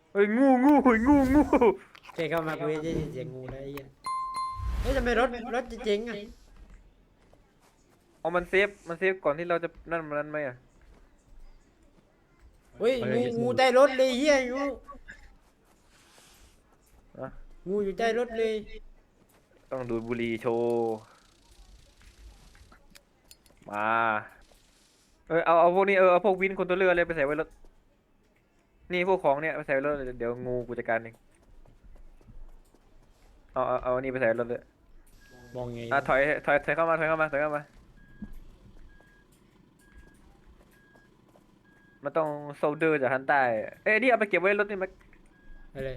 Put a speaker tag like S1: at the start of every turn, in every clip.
S1: เฮ้ยงู
S2: แค่เข้ามากูจะได้ยินเสียงงูแล้วไอ้เหี้ยเฮ้ยทำไมรถจะเจ๊งอ่ะ
S1: เอามันเซฟก่อนที่เราจะนั่นมันไหมอ่ะ
S2: เฮ้ยงูใต้รถเลยเฮียงู
S1: อะ
S2: งูอยู่ใต้รถเลย
S1: ต้องดูดบุหรี่โชว์มาเอาพวกนี้เอาพวกวินคนตัวเรืออะไรไปใส่ไว้รถนี่พวกของเนี่ยไปใส่ไว้รถเดี๋ยวงูกูจัดการเองเอาอันนี้ไปใส่รถเลย
S2: มองไง
S1: ถอยเข้ามามันต้องโซลเดอร์จากฮันใต้เอ้ยนี่เอาไปเก็บไว้รถนี่มัน
S2: อะไร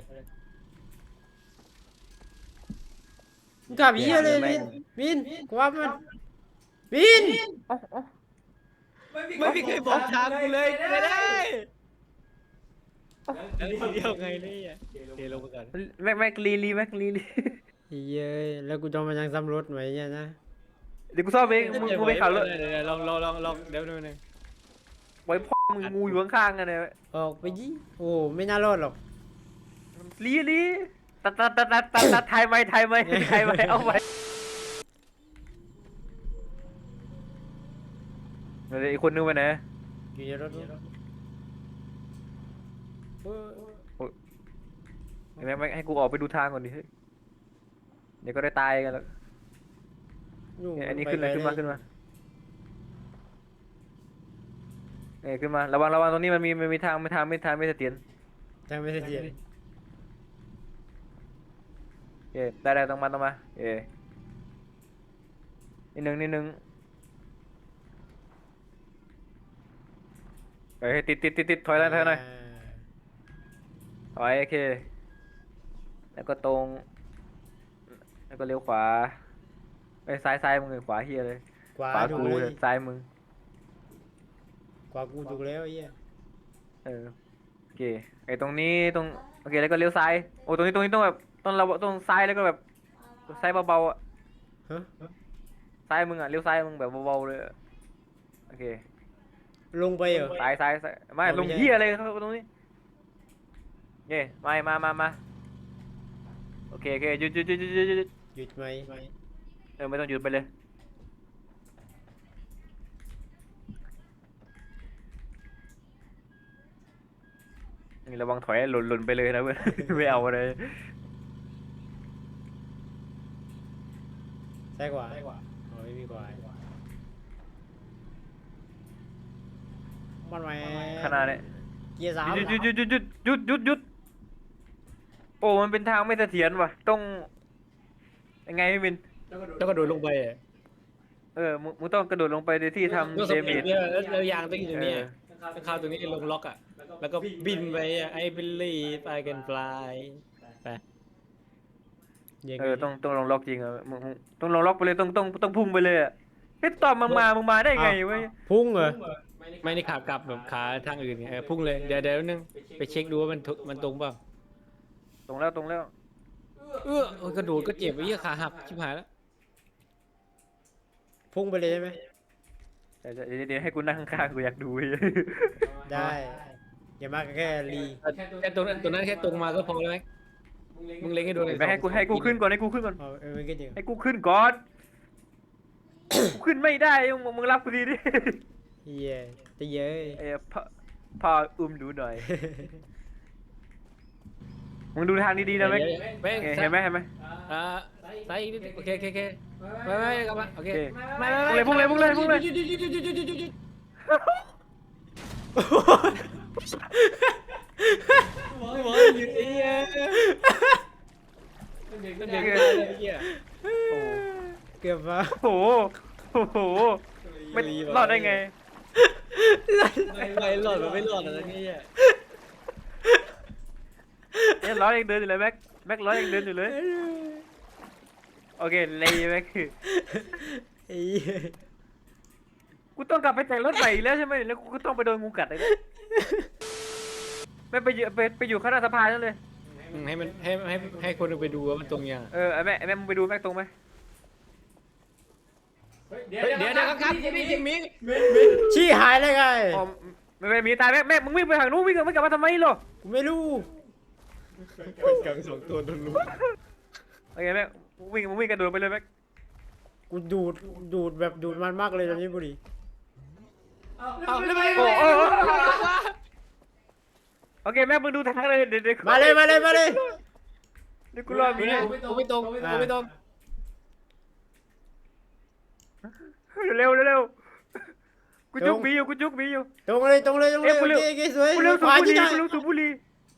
S2: มึงกลับเฮียเลยวินกูว่ามันวิน
S1: เอ้า
S3: ไม่มีใครบอกทางกูเลยไม่ได้แล้วทีเดียวไงเนี่ยเทลงไปก่อน
S1: แม็กลี
S2: เย้ยแล้วกูจะมายังซ้ำรถไหมเนี่ยนะ
S1: เดี๋ยวกูซ่อมเองมึงไปขับรถ
S3: เดี๋ยวลองเดี๋ยวนึง
S1: ไว้พ่อมึงงูอยู่ข้างๆกันเนี่ย
S2: ออกไปยี่โอ้ไม่น่ารอดหรอก
S1: ลีตัดไทยไหมเอาไปเดี๋ยวอีกคนนึงไปไหน
S2: อยู่ในรถนู้นเฮ้ย
S1: แม็กให้กูออกไปดูทางก่อนดิเฮ้ยเดี๋ยวก็ได้ตายกันแล้ว
S2: ยู่
S1: เนี่ยอันนี้
S2: ไป
S1: ขึ้นเลย
S2: ไป
S1: ขึ้นมาเนี่ยขึ้นมาระวังตรงนี้มันมีทางไม่เสถียร
S2: ทางไม่เสถียร
S1: ได้ต้องมานิดนึงเฮ้ยติดถอยหน่อยถอยโอเคแล้วก็ตรงแล้วก็เลี้ยวขวาไปซ้ายมึงเลยขวาเฮียเลย
S2: ขวา
S1: ขวา
S2: ถูก
S1: กู
S2: เลย
S1: ซ้ายมึง
S2: ขวากูถูกแล้วไอ้เหี้ย
S1: โอเคไอ้ตรงนี้โอเคแล้วก็เลี้ยวซ้ายโอ้ตรงนี้ต้องแบบต้องซ้ายแล้วก็แบบซ้ายเบาๆอ่ะ
S2: ฮะ
S1: ซ้ายมึงอ่ะเลี้ยวซ้ายมึงแบบเบาๆเลยอะโอเค
S2: ลงไปเหรอ
S1: ซ้ายไม่
S2: เอาไม่
S1: ลง
S2: ใช่
S1: เหี้ยอะไรเข้าตรงนี้เย่มาโอเคหยุด
S2: หยุดไหม
S1: ไม่ต้องหยุดไปเลยนี่ระวังถอยหล่นไปเลยนะเพื่อน ไม่เอาเลย
S2: ซ้ายขวาอ๋อไม่มีขวามันไหม
S1: ขนาดนี้
S2: เกียร์สาม
S1: หยุดโอ้มันเป็นทางไม่เสถียรว่ะต้องยังไงพี่มิน
S3: แล้วก็โดดลงไป
S1: มึงต้องกระโดดลงไปในที่ทำ
S3: ก็
S1: เด
S3: ส
S1: เม
S3: ปีด
S1: จ
S3: เนี่ยแล้วยางต้องอยู่ตรงนี้ข้าวตรงนี้ลงล็อกอ่ะแล้วก็บินไปไอ้บิลลี่ไปกันฟลายไป
S2: ยังไง
S1: ต้องลงล็อกจริงมึงต้องลงล็อกไปเลยต้องพุ่งไปเลยอ่ะเฮ้ยตอนมึงมาได้ไงเว้ย
S2: พุ่งเหรอ
S3: ไม่ได้ขากลับแบบขาทางอื่นไงพุ่งเลยเดี๋ยวนึงไปเช็คดูว่ามันตรงเปล่า
S1: ตรงแล้ว
S3: โอ้ยกระโดดก็เจ็บไอ้เหี้ยขาหักชิบหายแล้ว
S2: พุ่งไปเลยใช่ไหม
S1: เดี๋ยวให้กูนั่งข้างๆกูอยากดูเว้ย
S2: ได้อย่ามาแค่รี
S3: แค่ตรงนั้นแค่ตรงมาก็พอแล้วไหมมึงเล็งให้ดูเลย
S1: ไปให้กูขึ้นก่อนให้กูขึ้นก่อน
S2: อ๋อไม่ก็จริง
S1: ให้กูขึ้นก่อน กูขึ้นไม่ได้มึงรับกูดีดิ
S2: เฮียจะเย้ย
S1: พ่ออุ้มดูหน่อย มึงดูทางดีๆนะแม็ก เห็นไหม
S3: อ่าใส่อีกนิดโอเคไม่กลับมาโอเคไม่
S1: พุ่งเลย
S3: หยุดหยุดหยุดไอ้เหี้ยมันเด็กไอ้เหี้ย
S2: เกือบมา
S1: โอ้โหไม่รอดได้ไง
S3: ไม่หลอดมันไม่หลอดอะไรนี่อ่ะ
S1: เนี่ยร้อยยังเดินอยู่เลยแม็กร้อยยังเดินอยู่เลย โอเคเลยแม็ก
S2: ไอ้เหี้ย
S1: กูต้องกลับไปแต่งรถใหม่อีกแล้วใช่ไหมแล้วกูก็ต้องไปโดนงูกัดเลยนะไม่ไปอยู่ข้างหน้าสะพานนั่นเลย
S3: ให้มันให้คนไปดูว่ามันตรงยัง
S1: ไอ้แม่มึงไปดูแม็กตรงไหม
S3: เดี๋ยวครับมี
S2: ชี้หายเลยไง
S1: อ๋อไม่มีตายแม่มึงวิ่งไปทางนู้นวิ่งไม่กลับมาทำไมหรอ
S2: กูไม่รู้
S3: กังสองตัวโดนลุม
S1: โอเคแม็กมึงวิ่งกระโดดไปเลยแม็ก
S2: กูดูดแบบดูดมันมากเลยตอนนี้บุหรี่
S3: เอาแล้วไป
S1: โอ้โอเคแม็กมึงดูทางเลยเดี๋ยว
S2: มาเลย
S1: เดี๋ยวกูรอมี
S3: กูไม่ตรงกูไม่ตรง
S1: เร็วกูจุกมีอยู่
S2: ตรงเลยโอเคสวย
S1: กูเร็ว
S2: ขวาที่ได้
S1: สูบบุหรี่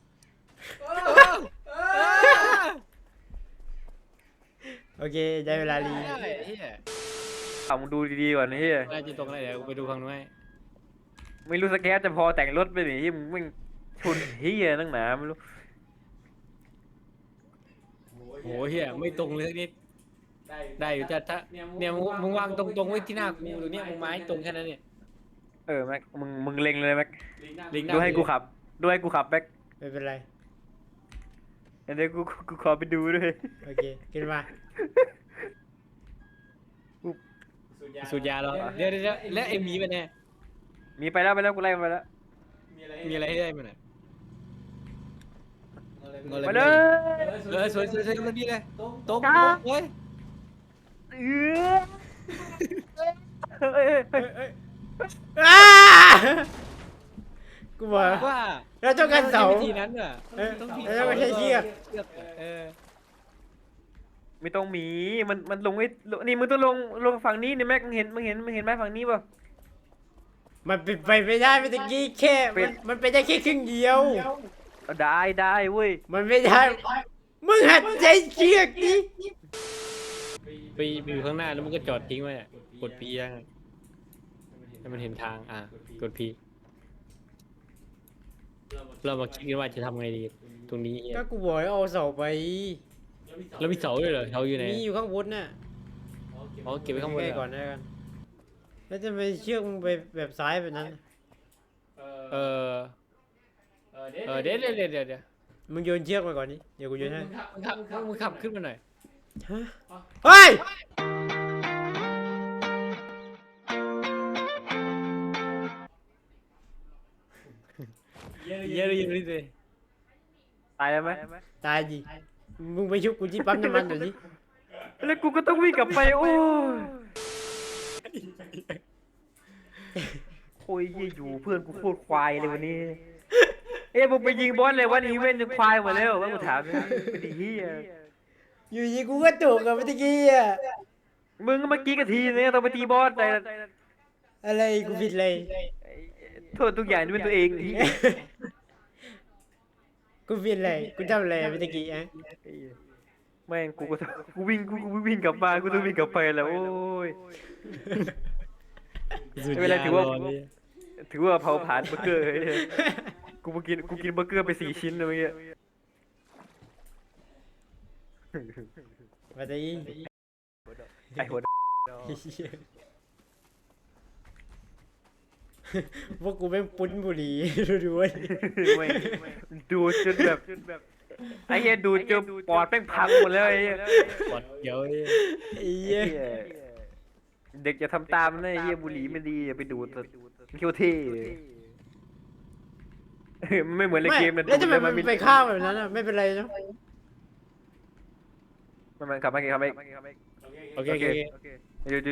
S2: โอเคได้เวลาลี
S1: เอามึงดูดีๆก่อนเฮีย
S3: น่าจะตรงอะไรเดี๋ยวกูไปดูฝั่งนู้นให้
S1: ไม่รู้สแกนจะพอแต่งรถไปหนิมึงชนเฮียนั่งหนาไม่รู้
S3: โหเฮียไม่ตรงเลยสักนิดได้อยู่แต่ถ้าเนี่ยมึงวางตรงไว้ที่หน้ากูตรงเนี้ยมึงไม้ตรงแค่นั้นเนี่ย
S1: แม็กมึงเล็งเลยแม็ก
S3: ลิงหน้า
S1: ดูให้กูขับแม็ก
S2: ไม่เป็นไร
S1: เดี๋ยวกูขอไปดูด้วย
S2: โอเคขึ้นมา
S3: สูดยาเหรอเดี๋ยวแล้วไอ้หมีมันเนี่ย
S1: มีไปแล้วกูไล่ไปแล้ว
S3: มีอะไรให้ได้มันอ่ะ
S1: ไปเลย
S3: สวยมันดีเลยตรงเฮ้ย
S2: อ้ากูบอก
S3: ว่า
S2: เราต้องการเสา
S3: วิธีนั้นอ่ะ
S2: แล้วไม่ใช่เชือก
S1: ไม่ต้องมีมันลงไอ้นี่มึงต้องลงฝั่งนี้นี่แม็กมึงเห็นไหมฝั่งนี้ป่ะ
S2: มันเป็นไปไม่ได้ไม่ตะกี้แค่มันเป็นได้แค่ครึ่งเดียว
S1: ได้เว้ย
S2: มันไม่ได้มึงหัดใจเชือกดิ
S3: ไปอยู่ข้างหน้าแล้วมันก็จอดทิ้งไว้อะกดพียังให้มันเห็นทางกดพีเรามาคิดกันว่าจะทำไงดีตรงนี้
S2: ก็กูบอกให้เอาเสาไป
S3: แล้วมีเสาด้วยเหรอเสาอยู่ไหน
S2: มีอยู่ข้างบนน่ะ
S3: อ๋อเก็บไว้ข้างบน
S2: ใกล้
S3: เหร
S2: ก่อนได้กันแล้วจะไปเชือกมึงไปแบบซ้ายแบบนั้น
S3: เดี๋ยว
S2: มึงโยนเชือกไปก่อนนี่เดี๋ยวกูโยนให้
S3: มึงขับขึ้นมาหน่อย
S2: ฮะเฮ้ย
S3: เยอะเลย
S1: ตายแล้วไหม
S2: ตายดิมึงไปชุบกูที่ปั๊มน้ำมันเดี๋ยวนี้
S1: แล้วกูก็ต้องวิ่งกลับไปโอ้ยเยี่ยอยู่เพื่อนกูโคตรควายเลยวันนี้มึงไปยิงบอสเลยวันอีเวนต์จะควายหมดแล้วว่ากูถามไม่ดีเฮีย
S2: อยู่ดีกูก็ตกอะเมื่อกี้อะ
S1: มึงก็เมื่อกี้กะทีเนี่ยต้องไปตีบอสแต่
S2: อะไรกูผิดเลย
S1: โทษทุกอย่างที่เป็นตัวเองที่
S2: กูผิดเลยกูทำอะไรเมื่อกี้อะ
S1: แม่งกูวิ่งกลับมากูต้องวิ่งกลับไปแล้วโอ้ย ไม่เป็นไรถือว่าเผาผลาญเบอร์เกอร์เฮ้ยกูกินเบอร์เกอร์ไป4 ชิ้นเลยเมื่อกี้
S2: มาตี
S1: ไอ้หัว
S2: พวกกูแม่งปุ้นบุหรี่ดูๆเว้ย
S1: ไม่ดูจนแบบไอ้เหี้ยดูจนปอดแม่งพังหมดแล้วไอ้เหี้ย
S3: ปอดเดี๋ยว
S2: ไอ้เหี้ย
S1: เด็กจะทำตามนะไอ้เหี้ยบุหรี่ไม่ดีอย่าไปดูดเคี้ยวเท่มันไม่เหมือนในเกมนะ
S2: แล้วทำไมมันไปข้าวแบบนั้นอะไม่เป็นไรเนาะ
S1: มันขับมาขับมา
S3: โอเค
S1: หยุด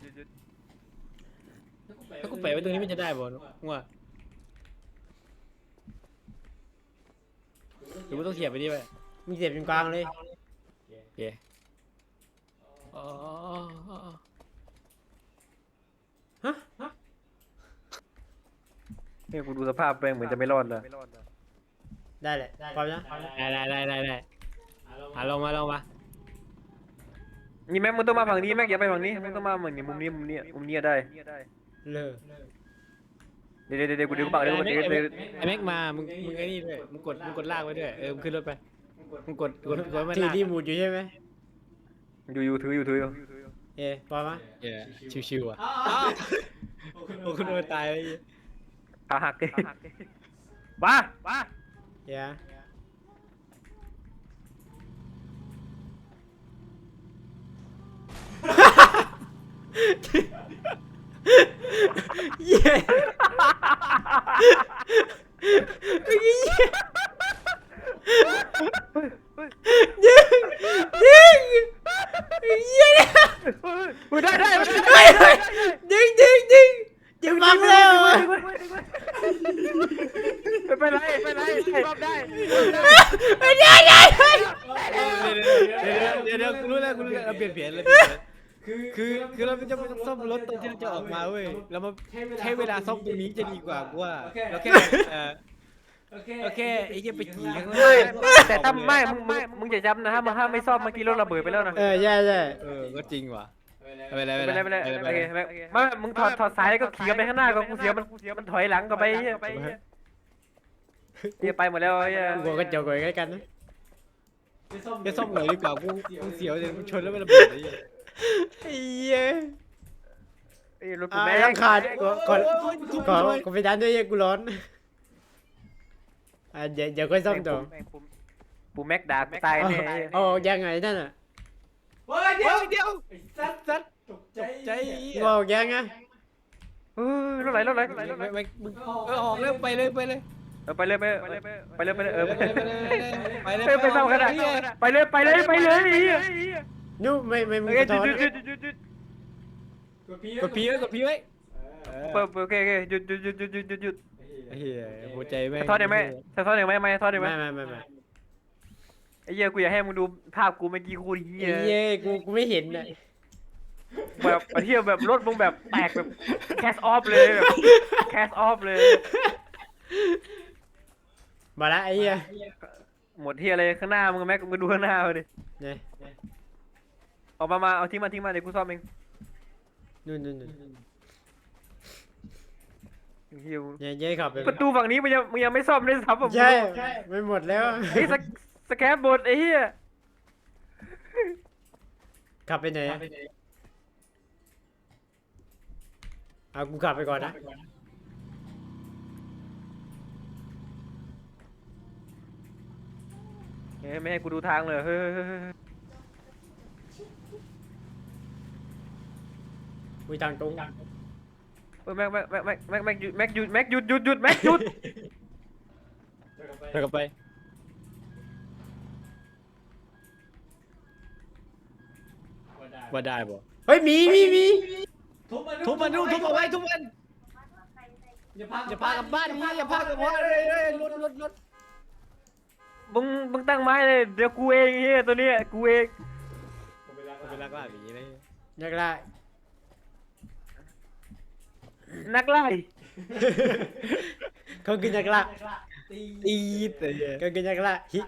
S3: ถ้ากูแปะไว้ตรงนี้มันจะได้บ่ว่าหรือว่าต้องเขียบไปดิไป
S2: มีเสียบตรงกลางเลย
S3: โอเคอ๋อ
S1: เนี่ยกูดูสภาพแม่งเหมือนจะไม่รอดเลย
S2: ได้แหละพร้อมนะ
S3: ได้ลงมา
S1: นี่แม็กมึงต้องมาฝั่งนี้แม็กอย่าไปฝั่งนี้มึงต้องมาฝั่งนี้มุมนี้ได้
S2: เลิก
S1: เดี๋ยวกูดึงปากเดี๋ยว
S3: ไอ้แม็กมามึงไอ้นี่ด้วยมึงกดลากไว้ด้วยมึงขึ้นรถไปมึงกดมัน
S2: ถือ
S3: ลาก
S2: ที่หมุดอยู่ใช่ไหม
S1: อยู่ถือ
S2: พร้อมไหม
S3: ชิวๆอ่ะโอ้คุณโดนตายเลย
S1: ขาหักบ้า
S2: เดี๋ยวเย้เมื่อกี้ยิงยิงยิง
S1: ได้ได้
S2: ยิงยิงยิงยิงบังแล้ว
S1: ไปไรรอบได้
S2: ไม่ได้ได้
S3: เดี๋ยวกูรู้แล้วเราเปลี่ยนแผนเลยคือเราจะไม่ต้องซ่อมรถตอนที่เราจะออกมาเว้ยเรามาใช้เวลาซ่อมตรงนี้จะดีกว่ากูว่าเราแค่โอเคไอ้เหี้ยไปขี่ข้างหน้า
S1: แต่ถ้าไม่มึงอย่าจำนะถ้าไม่ซ่อมเมื่อกี้รถระเบิดไปแล้วนะ
S2: ใช่ใช่
S3: ก็จริงว่ะไปเลย
S1: ไปเลยโอเคไม่มึงถอดสายแล้วก็ขี่ไปข้างหน้าก็กูเสียวมันถอยหลังก็ไปเฮียไปหมดแล้วเฮีย
S2: กูก็เจ้าก่อยกันนะ
S3: จะซ่อมหน่อยดีกว่ากูเสียวเลยชนแล้วมันระเบิดไอ้
S2: ไอ้เหี้ย
S1: รถกูแม่
S2: ยังขาดก่อนไปดันด้วยกูร้อนเดี๋ยวค่อยซ่อมต่อ
S1: ปูแม็กด่ากูตายแน่
S2: อ๋อยังไงนั่นอ่ะ
S3: เดี๋ยวสัตว์ตกใจ
S2: บอกยังไง
S1: รถไหล
S3: ไม่มึงออกเร็วไปเลย
S1: ไปเลยไปเลยไปซ่อมกันไปเลย
S2: นู่ไม่มึง
S1: ห
S2: ถอน
S3: กดพีไว้
S1: โอเคหยุด
S3: เฮียหัวใจแม่ง
S1: ทอดได้ไหมทอดได้ไหมทอดได้ไหม
S2: ไม่
S1: ไอ้เหี้ยกูอยากให้มึงดูภาพกูเมื่อกี้กูเหี้ย
S2: เย้กูไม่เห็นอ่ะ
S1: แบบเที่ยวแบบรถมึงแบบแตกแบบแคสออฟเลยแบบแคสออฟเลย
S2: มาละไอ้เหี้ย
S1: หมดที่อะไรข้างหน้ามึงแม็กมึงดูข้างหน้าเลย
S2: เนี่ย
S1: ออกมาเอาทิ้งมาเดี๋ยวกูซ่อมเอง
S2: นู่น
S1: เฮีย
S2: เย้ขับไป
S1: ประตูฝั่งนี้มึงยังไม่ซ่อมเลยซ้ำผม
S2: ใช่ไม่หมดแล้ว
S1: ไอ้สแครปบดไอ้เหี้ย
S2: ขับไปไหนเอากูขับไปก่อนนะ
S1: ไม่ให้กูดูทางเลยเฮ้ย
S2: อุ้ยทางตรง
S1: แม็กหยุดแม็กหยุดแม็กหยุด
S3: เดี๋ยวกลับไปว่าได้บ่
S2: เฮ้ยมี
S3: ทุบมันเอาไว้ทุบมันอย่าพากลับบ้านนี่อย่าพากลับบ้านรถ
S1: มึงตั้งไม้เลยเดี๋ยวกูเองเฮียตัวเนี้ยกูเอง
S3: ไปลักล่าอย่างนี้เลย
S2: นักล่า
S1: นักไล่
S2: เขาคือนักล่า
S3: ตีแต่
S2: เขาคือนักล่าฮิ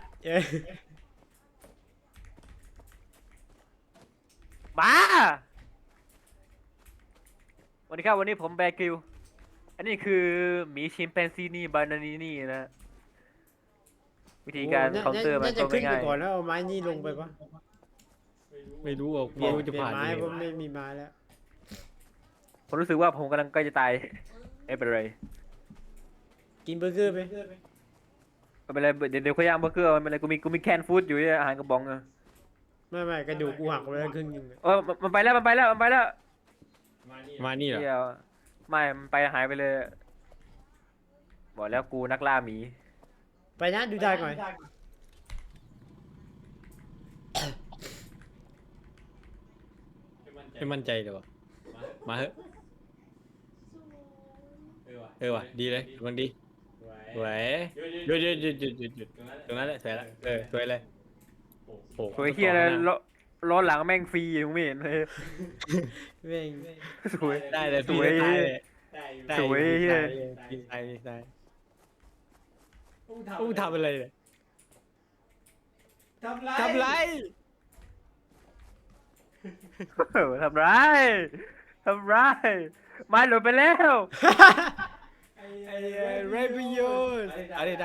S1: บ้าวันนี้ครับวันนี้ผมแบกิวอันนี้คือหมีชิมแปนซีนี่บานานีนี่นะวิธีการเคาน์เตอร์มัน
S2: น่าจะ
S1: ก็
S2: ขึ้น
S1: ไม่
S2: ไป
S1: ง่าย
S2: ก่อนแล้วเอาไม้นี่ลงไปปะ
S3: ไม่รู้อ่ะ
S2: เปลี่ยน
S3: จะผ่าน
S2: ไม้
S3: ยัง
S2: เพราะ
S3: ไง
S2: ไม่มีไม้แล้ว
S1: ผมรู้สึกว่าผมกำลังใกล้จะตายไม่เป็นไร
S2: กินเบอร์เกอร์ไป
S1: ไม่เป็นไรเดี๋ยวเขาย่างเบอร์เกอร์ไม่เป็นไรกูมีแคนฟู้ดอยู่อาหารกระป๋องอะ
S2: ไม่กระดูกกูหักไปแล้วครึ่งนึง
S1: มันไปแล้ว
S3: มานี่เหรอ
S1: เดี๋ยวไม่มันไปหายไปเลยบอกแล้วกูนักล่าหมี
S2: ไปนะดูได้ก่อน
S3: ไม่มั่นใจเลยวะมาเถอะว่ะดีเลยกำลังดีสวยหยุดตรงนั้นแหละสวยละสวยเลยโอ้
S1: สวยเฮียเลยล้อหลังแม่งฟรีมึงไม่เห็นเลย
S2: เว้ง
S1: สวย
S3: ได้เลย
S1: สวย สวยเหี้ย
S3: ได้อู้ทำอะไรเนี่ยทำไร
S1: ทำร้ายไม้หลุดไปแล้ว
S3: ไรประโยชน์ได้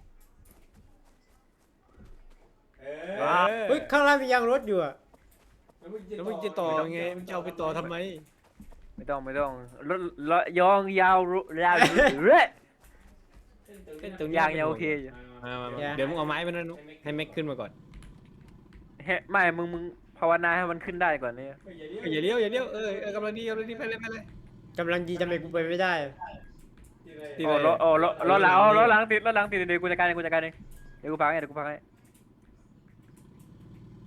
S2: เฮ้ยข้างล่างมียางรถอยู่อ่ะ
S3: แล้วมึงจะต่อไงมึงจะเอาไปต่อทำไม
S1: ไม่ต้องรถยองยาวเรื่อยยางยังโอเคอยู่
S3: มาเดี๋ยวมึงเอาไม้มานั่นให้แม็กขึ้นมาก่อน
S1: ไม่มึงภาวนาให้มันขึ้นได้ก่อนเนี่ย
S3: อย่าเลี้ยวกำลังดีไปเลย
S2: กำลังดีทำไมกูไปไม่ได้
S1: ล้อหลังติดเดี๋ยวกูจัดการเองเดี๋ยวกูพังให้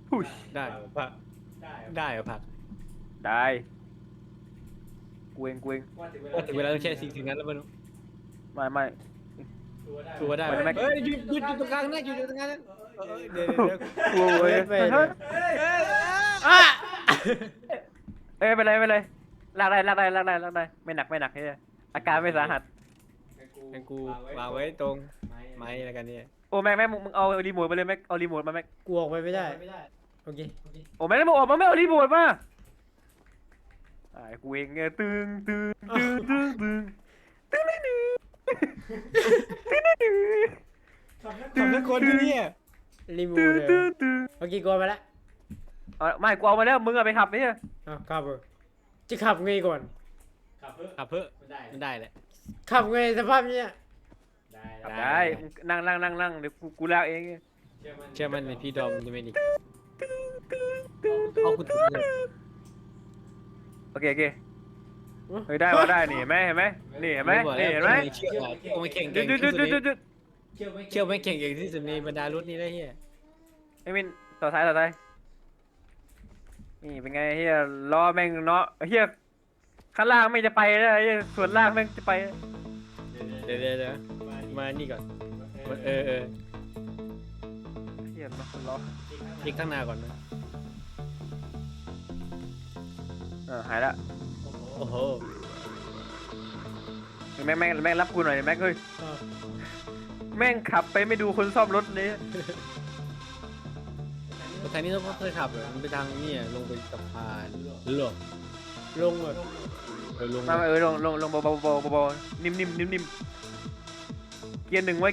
S1: หุย
S3: ได้เหรอผักได้เหรอผัก
S1: ได้กูเอง
S3: ว่าถึงเวลาต้องใช้สิ่งนั้นแล้วมัน
S1: ไม่
S3: ตัวได้
S1: ไปเลยแม็ก
S3: เฮ้ยหยุดตรงกลางนะหยุดตรงกลางนะเดี๋ยว
S1: กูเว้ย
S2: ไปเลย
S1: เฮ้ย
S2: อ่ะ
S1: เอ้ยไปเลยลากได้ไม่หนักเฮ้ยอาการไม่สาหัส
S3: งั้นกูวางไว้ตรงไม้แล้วกันเนี่ย
S1: โอ้แม็กมึงเอารีโมทไปเลยแม็กเอารีโมทมาแม็ก
S2: กูออกไปไม่ได้โอเค
S1: โอ้แม็กแล้วมึงออกมาไม่เอารีโมทมากูเองไงตึง
S3: ทำทุกคนที่เนี่ย
S2: รีมูฟเลยโอเคกูเอาไปละ
S1: ไม่กูเอามาแล้วมึงเอาไปขับเนี่ย
S2: เอาขับเออจะขับไงก่อน
S3: ขับเพื่อมันได้แหละ
S2: ขับไงสภาพเนี้ย
S1: ขับได้นั่งเดี๋ยวกูลากเอง
S3: เชื่อมันในพี่ดอมจะไม่ดีเอาคุณถูกเลย
S1: โอเคเฮ้ยได้นี่เห็นไหมนี่เห็นไหม
S3: เชื่อไม่เก่ง
S1: หยุด
S3: เชื่อไม่เก่งอย่างที่สุดในบรรดารถนี้ได้เฮีย
S1: ไอ้มินต่อท้ายนี่เป็นไงเฮียล้อแม่งเนาะเฮียข้างล่างไม่จะไปแล้วเฮียส่วนล่างแม่งจะไป
S3: เดี๋ยวมานี่ก่อนเออ
S1: เฮียมันล้อ
S3: อีกข้างหน้าก่อนนะ
S1: หายละ
S3: โอ้โห
S1: แม่งรับกูหน่อยแม่งเฮ้ย
S2: เอา
S1: แม่งขับไปไม่ดูคนซ่อมรถเลย
S3: ทางนี้ต้องเคยขับเลยมันไปทางนี่ลงไปสะพานหรอ
S2: ลงเลย
S3: ลง
S1: มาลงเบานิ่มเกียร์หนึ่งไว้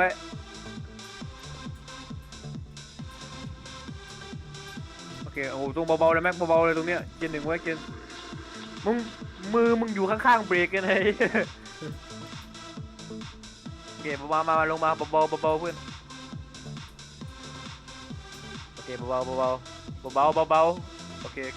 S1: โอเคโอ้ตรงเบาๆเลยแม็กเบาๆเลยตรงเนี้ยเกียร์หนึ่งไว้มึงอยู่ข้างๆเบรกกันเลยโอเคมาลงมาเบาเพื่อนโอเคเบาโอเคโอเค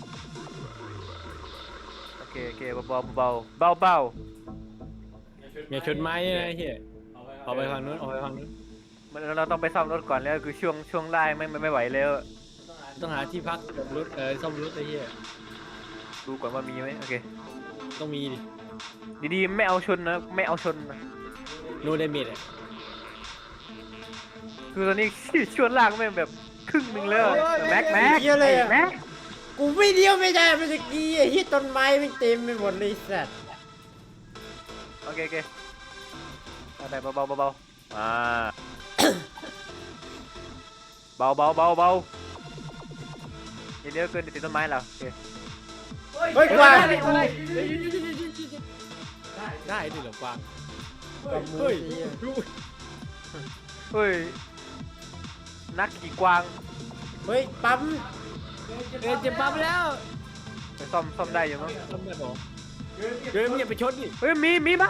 S1: เบา
S3: อย่าชนไม้นะเฮียเอาไปฝั่งนู้น
S1: มันเราต้องไปซ่อมรถก่อนแล้วคือช่วงล่างไม่ไหวแล้ว
S3: ต้องหาที่พักรถซ่อมรถไอ้เฮีย
S1: ดูก่อนว่ามีไหมโอเค
S3: ต้องมีดิ
S1: ดีๆไม่เอาชนนะ
S3: โนเดเมจ
S1: คือตอนนี้ช่วงล่างแม่งแบบครึ่งหนึงแล้วแม็ก
S2: เหี้ยเลยอะ
S1: แม็ก
S2: กูไม่เดียวไม่ได้มันจะกี้ไอ้ที่ต้นไม้ไม่เต็มไปหมดเลยสัตว์
S1: โอเคได้เบาเบาเดี๋ยวเกินติดต้นไม้แล้วโอเค
S2: เฮ้ยกวาง
S3: ได้ดิเหรอกวาง
S2: กับมือ
S3: เฮ้ย
S2: เหี้ย
S1: เฮ้ยนักขี่กวาง
S2: เฮ้ยปั๊ม
S3: เจ็บปั๊มแล้ว
S1: ไปซ่อมได้อยู่มั้ง
S3: ทำไมบอกมึงอย่าไปชนดิ
S1: เฮ้ยมีมา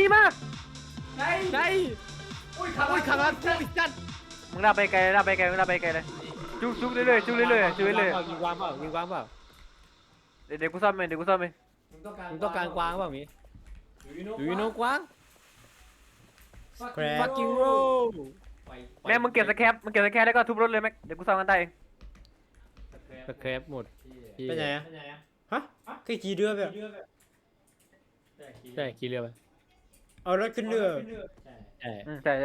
S3: ได้อุ้ยขับมากูอีกจัด
S1: มึงลากไปไกลเลยจุกเรื่อย
S3: ยิงวางเปล่า
S1: เดี๋ยวกูซ่อมเอง
S3: มึงต้องการกวางเปล่ามีดูยูโนกวาง
S2: แคร
S3: fucking roll
S1: แม่มึงเก็บสแครปแล้วก็ทุบรถเลยแม็กเดี๋ยวกูซ่อมกันได้เอง
S3: สแครปหมด
S2: ไปไหนอะฮะแค่ขี่เรือแบบ
S3: ใช่ขี่เรือไป
S2: เอารถขึ้นเรือ
S3: ใช่
S1: ใช่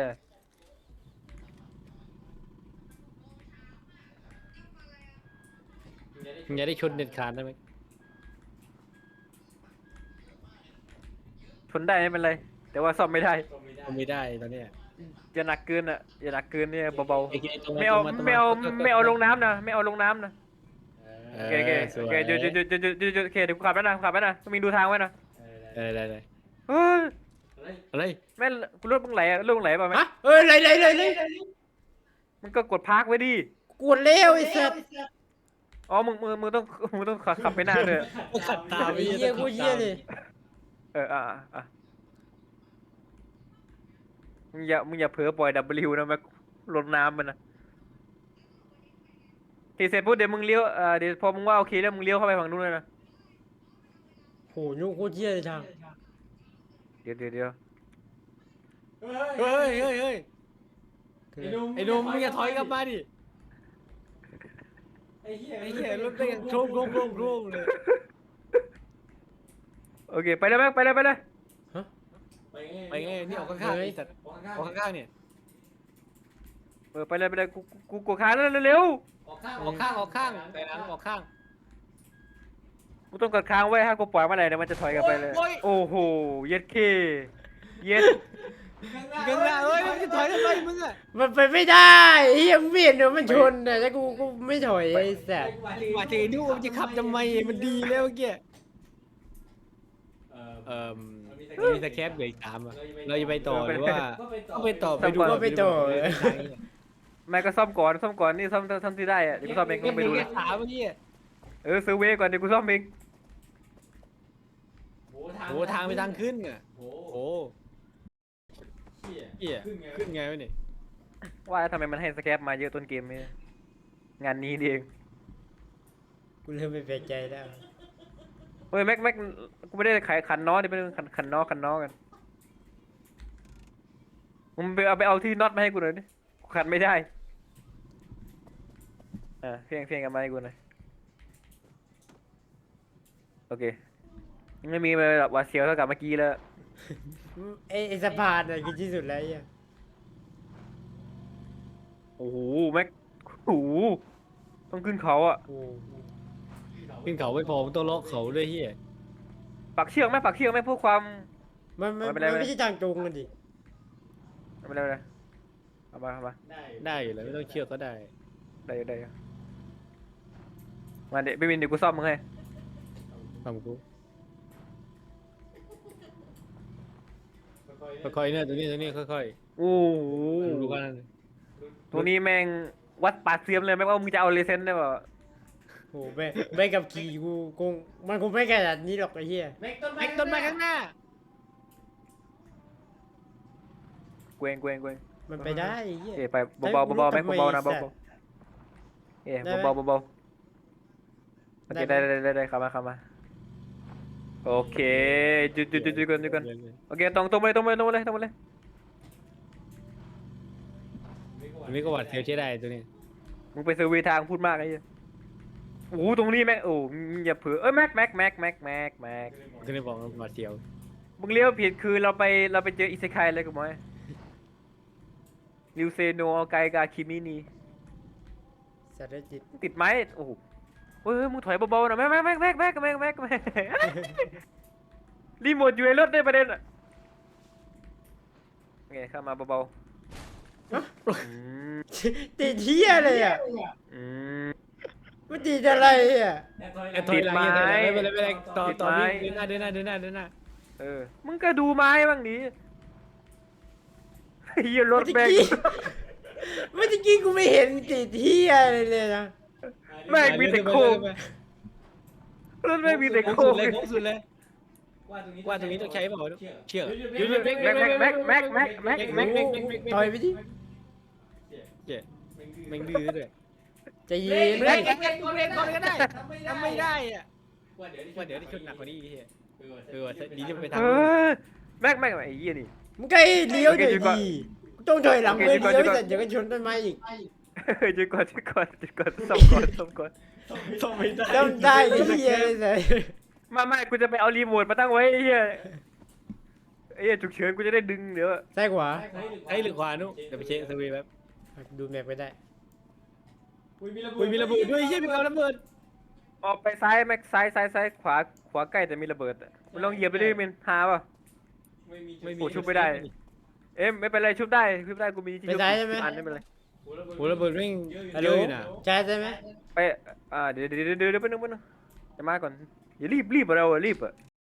S3: มึงอย่าได้ชนเด็ดขาดได้ไหม
S1: ชนได้ไม่เป็นไรแต่ว่าซ่อมไม่ได้
S3: ไม่ได้ตอนเนี้ย
S1: อย่าหนักเกินเนี่ยเบา
S3: ไอ้ตรง
S1: ๆไม่เอาลงน้ำนะโอเคเดี๋ยวโอเคเดี๋ยวกูขับแล้วนะต้องมีดูทางไว้นะ
S3: ได้
S1: เฮ้ย
S3: อะไร
S1: แม่กูรถมึงไหลป่ะแม่
S2: ฮะเอ้ยเลย
S1: มึงก็กดพาร์คไว้ดิ
S2: กดเร็วไอ้สัตว์
S1: อ๋อมึงต้องขับไปหน้าเลย
S3: ขัดตา
S2: ไอ้เหี้ยกูเหี้ยเลย
S1: มึงอย่าเผลอปล่อย W นะแม่ลดน้ำมันนะทีเสร็จปุ๊บเดี๋ยวมึงเลี้ยวเดี๋ยวพอมึงว่าโอเคแล้วมึงเลี้ยวเข้าไปฝั่งนู้นเลยนะ
S2: โหยุ่งโคตรเหี้ยเลยทาง
S1: เดี๋ยว
S3: เฮ้ยไอ้หนุ่มมึงอย่าถอยกลับมาดิไอ้เหี้ยรถแม่งโครมเลย
S1: โอเคไปเลยแม็กไปเลยไปเลย
S3: ไปไงนี่ออกข้างๆไอ้สัตว์ออกข้างๆเนี่ย
S1: ไปเลยไปเลยกูกดค้างแล้วเร็ว
S3: ออกข้างแต่หลังออกข้าง
S1: ๆกูต้องกดค้างไว้ถ้ากูปล่อยเมื่อไหร่เดี๋ยวมันจะถอยกลับไปเลย
S3: โอ้ย
S1: โอ้โหเย็ดเคเย็ด
S3: กันละเอ้ยมึงจะถอยทำไมมึงอ่ะ
S2: มันไปไม่ได้ไอ้เหี้ยมึงไม่เห็นเหรอมันชนน่ะแล้วกูไม่ถอยไอ้สัส
S3: มาถึงดูมันจะขับทำไมมันดีแล้วเมื่อกี้มันมีสแคปเหลืออีก3อ่ะเราจะไปต่อหรือว่าต้องไปต่อไปดู
S2: ก็ไปต่อ
S1: แม่ก็ซ่อมก่อนนี่ซ่อมที่ได้อะเดี๋ยวกูซ่อมเอง
S3: ก็
S1: ต้อง
S3: ไป
S1: ไป
S3: ดู
S1: ดู
S3: แค่ขาเมื่อกี้
S1: เซอร์เวย์ก่อนเดี๋ยวกูซ่อมเอง
S3: โอ้ทางไปทางขึ้นอ่ะโอ้เหี้ยขึ้นไงวะเนี่ย
S1: ว่าทำไมมันให้สแคปมาเยอะต้นเกมเนี่ยงานนี้นี่เอง
S2: กูเริ่มไม่แปลกใจแล้ว
S1: เฮ้ยแม็กกูไม่ได้ขายขันน็อตดิไม่ได้ขันน็อกันมึงไปเอาที่น็อตมาให้กูหน่อยดิกูขันไม่ได้เพียงกันมาให้กูหน่อยโอเคไม่มีแบบว่าเสียวเท่ากับเมื่อกี้แล้ว
S2: ไอ้สะพานน่ะคือที่สุดแล้วไอ้เหี้ย
S1: โอ้โหแม็กโอ้โหต้องขึ้นเขาอ่ะ
S2: โอ้
S3: ขึ้นเขาไม่พอมันต้องเลาะเขาด้วยเฮีย
S1: ปักเชือกไหมเพื่อความ
S2: มัน
S1: ไม่เป็นไร
S2: ไม่ใช่ทางตรงกันดิ
S1: ไม่เป็นไรเอามา
S3: ได้อยู่แล้วไม่ต้องเชือกก็ได้
S1: ได้อยู่มาเดี๋ยวพี่วินเดี๋ยวกูซ่อมมึงให้
S3: ทำกูค่อยๆเนี่ยตัวนี้ค่อย
S1: โอ้โห
S3: ๆดูกัน
S1: ตัวนี้แม่งวัดปาดเสียมเลยแม่งว่ามึงจะเอาเลเซนได้เปล่า
S2: โอ้ไปกับขี่กูคงมันคงไม่ขนาดนี้หรอกไอ้เหี้ย
S3: แม็กต้นไม้ข้างหน้า
S1: เกวง
S2: มันไปได้ไอ้เหี้ย
S1: เอ้ยไปเบาๆแม็กเบาๆนะเบาๆเอ้ยเบาๆโอเคได้เข้ามาโอเคจุดกันโอเคตรงไปเลย
S3: ตัวนี้ก็หวัดเสียวใช้ได้ตัวนี้
S1: มึงไปเซอร์เวย์ทางพูดมากไอ้เหี้ยโอ้โหตรงนี้แม็กโอ้มึงอย่าเผลอแม็ก
S3: ก็เลยบอกว่าหวัดเสียว
S1: มึงเลี้ยวผิดคือเราไปเจออิเซไคเลยกูมั้ยริวเซโนไกกาคิมินี
S2: สัตว์จิต
S1: ติดไม้โอ้โหเฮ้ยมึงถอยเบาๆหน่อยแม็กรีโมทอยู่ในรถได้ประเด็นอ่ะไงเข้ามาเบาๆอืม
S2: ติดเหี้ยเลยอ่ะ
S1: อืม
S2: มันติดอะไรอ่ะ
S3: ติดไม้
S1: ติดไม้
S3: ไม่เป็นไรต่อ
S1: ติดไม้
S3: วิ่งเดินหน้า
S1: มึงก็ดูไม้บ้างดิเฮียรถแม่ง
S2: เมื่อกี้กูไม่เห็นติดเหี้ยอะไรเลยนะ
S1: แม่งมีแต่โค้งรถแม่งมีแต่โค้ง
S3: โค้งสุดเลยว่าตรงนี้ต้องใช้เปล่าเชือกหยุด
S1: แม็ก
S2: ถอยไปดิ
S3: เจ๊แม่งดื้อด้วย
S2: ใจเย็น
S3: เบรกก่อนก็ได้ทำไม่ได้อ่ะว่าเดี๋ยวได้ชนหนักกว่านี้เฮียดีจะไปทาง
S1: แม็กไอ้เหี้ยนี่
S2: มึงใกล้เลี้ยวหน่อย
S1: โอเคหยุดก่อน
S2: ดีต้องถอยหลัง
S1: โอเค
S2: เพื่อ
S1: หยุดก่อน
S2: เลี้ยว
S1: หยุดก่อน
S2: แต่เดี๋ยวก็ชนต้นไม้อีก
S1: หยุดก่อนซ่อมก่อน
S3: ต้องไม่ได้
S2: ต้องได้ไอ้เหี้ยเลยแต่
S1: ไม่กูจะไปเอารีโมทมาตั้งไว้ไอ้เหี้ยฉุกเฉินกูจะได้ดึงเดี๋ยว
S2: ซ้ายขวา
S3: ไอ้หรือขวานุเดี๋ยวไปเช็คสวีแป๊บ
S2: ดูแมปไปได้
S3: อุ้ยมีระเบิดด้วยเฮียมีการระเบิด
S1: ออกไปซ้ายแม็กซ้ายขวาใกล้แต่มีระเบิดมึงลองเหยียบไปดิมินหาป่ะ โอ้ชุบไม่ได้ ไม่เป็นไรชุบได้กูมีที่ชุบอันไม่เป็นไร
S3: โหระเบิดแม่ง
S2: ฮัล
S3: เย
S2: โหล
S3: อะอยู่นะ
S2: ใช่ใช่ไหม
S1: ไปเดี๋ยวไปนึงจะมาก่อนอย่ารีบเรารีบ